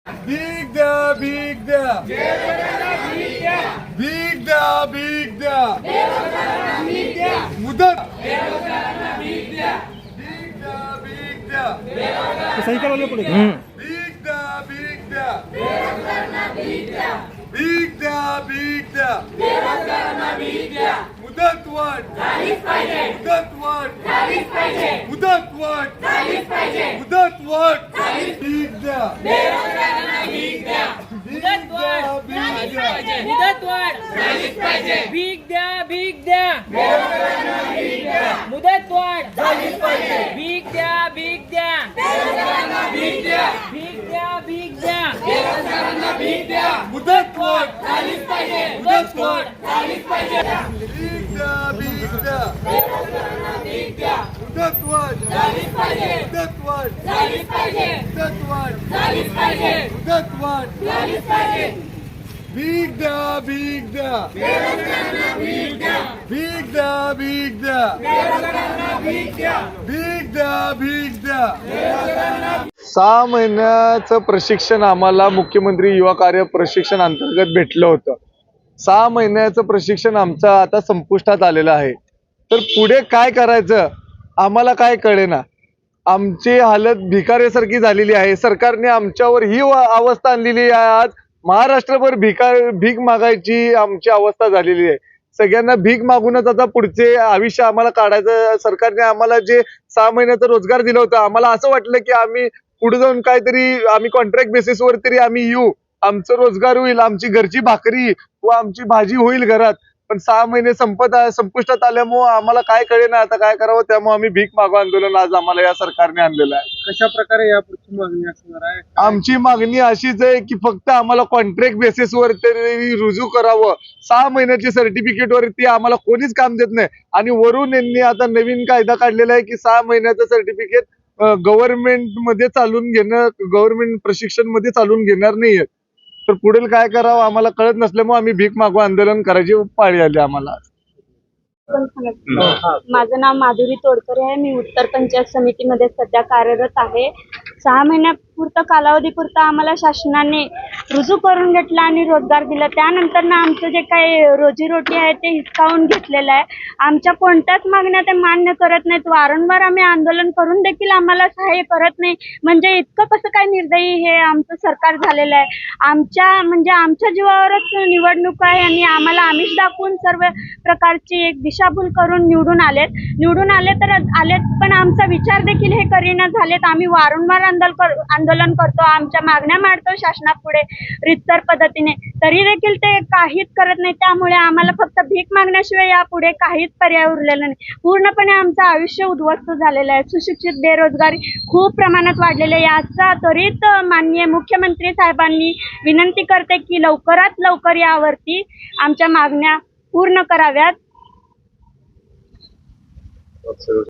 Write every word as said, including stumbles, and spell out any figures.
भीक द्या भीक द्या भीक द्या भीक द्या मुदत भीक द्या भीक द्या सही का बोले पड़ेगा। भीक द्या भीक द्या भीक द्या भीक द्या मुदत वाढ मुदत वाढ मुदत वाढ मुदत वाढ भीक द्या भीक द्या मुदत वाढ झालीच पाहिजे भीक द्या भीक द्या मुदत वाढ झालीच पाहिजे भीक द्या भीक द्या भीक द्या भीक द्या भीक द्या भीक द्या मुदत वाढ झालीच पाहिजे मुदत वाढ झालीच पाहिजे भीक द्या भीक द्या भीक द्या मुदत वाढ झालीच पाहिजे मुदत वाढ झालीच पाहिजे मुदत वाढ झालीच पाहिजे मुदत वाढ झालीच पाहिजे भीक द्या भीक द्या भीक द्या भीक द्या भीक द्या भीक द्या सहा महिन्याचं प्रशिक्षण आम्हाला मुख्यमंत्री युवा कार्य प्रशिक्षण अंतर्गत भेटलं होतं. सहा महिन्याचं प्रशिक्षण आमचं आता संपुष्टात आलेलं आहे. तर पुढे काय करायचं आम्हाला काय कळेना. आमची हालत भिकाऱ्यासारखी झालेली आहे. सरकारने आमच्यावर ही अवस्था आणलेली आहे. आज महाराष्ट्रभर भिका भीक मागायची आमची अवस्था झालेली आहे. सगळ्यांना भीक मागूनच आता पुढचे आयुष्य आम्हाला काढायचं. सरकारने आम्हाला जे सहा महिन्याचा रोजगार दिला होता आम्हाला असं वाटलं की आम्ही पुढे जाऊन काहीतरी आम्ही कॉन्ट्रॅक्ट बेसिसवर तरी आम्ही येऊ, आमचं रोजगार होईल, आमची घरची भाकरी व आमची भाजी होईल घरात. पण सहा महिने संपत संपुष्टात आल्यामुळे आम्हाला काय कळेना आता काय करावं. त्यामुळे आम्ही भीक मागो आंदोलन आज आम्हाला या सरकारने आणलेलं आहे. कशा प्रकारे यापुढची मागणी असणार आहे? आमची मागणी अशीच आहे की फक्त आम्हाला कॉन्ट्रॅक्ट बेसिसवर तरी रुजू करावं. सहा महिन्याची सर्टिफिकेट वरती आम्हाला कोणीच काम देत नाही. आणि वरून यांनी आता नवीन कायदा काढलेला आहे की सहा महिन्याचं सर्टिफिकेट गव्हर्नमेंट मध्ये चालून घेणं, गव्हर्नमेंट प्रशिक्षण मध्ये चालून घेणार नाहीये. तर पुढील काय करावं आम्हाला कळत नसल्यामुळे आम्ही भीक मागो आंदोलन करायची पाळी आली आम्हाला. माझं नाव माधुरी तोडकरे आहे. मी उत्तर पंचायत समितीमध्ये सध्या कार्यरत आहे. सहा महिन्यापुरतं कालावधीपुरतं आम्हाला शासनाने रुजू करून घेतलं आणि रोजगार दिला. त्यानंतर ना आमचं जे काही रोजीरोटी आहे ते हिसकावून घेतलेलं आहे. आमच्या कोणत्याच मागण्या ते मान्य करत नाहीत. वारंवार आम्ही आंदोलन करून देखील आम्हाला सहाय्य करत नाही. म्हणजे इतकं कसं काय निर्दयी हे आमचं सरकार झालेलं आहे. आमच्या म्हणजे आमच्या जीवावरच निवडणूक आहे आणि आम्हाला आमिष दाखवून सर्व प्रकारची एक दिशाभूल करून निवडून आलेत. निवडून आले तर आलेत पण आमचा विचार देखील हे करीना झालेत. आम्ही वारंवार आंदोलन आंदोलन करतो, आमच्या मागण्या मांडतो शासनापुढे रितसर पद्धतीने, तरी देखील ते काहीच करत नाही. त्यामुळे आम्हाला फक्त भीक मागण्याशिवाय यापुढे काहीच पर्याय उरलेला नाही. पूर्णपणे आमचं आयुष्य उद्ध्वस्त झालेलं आहे. सुशिक्षित बेरोजगारी खूप प्रमाणात वाढलेली आहे. याचा त्वरित माननीय मुख्यमंत्री साहेबांनी विनंती करते की लवकरात लवकर यावरती आमच्या मागण्या पूर्ण कराव्यात.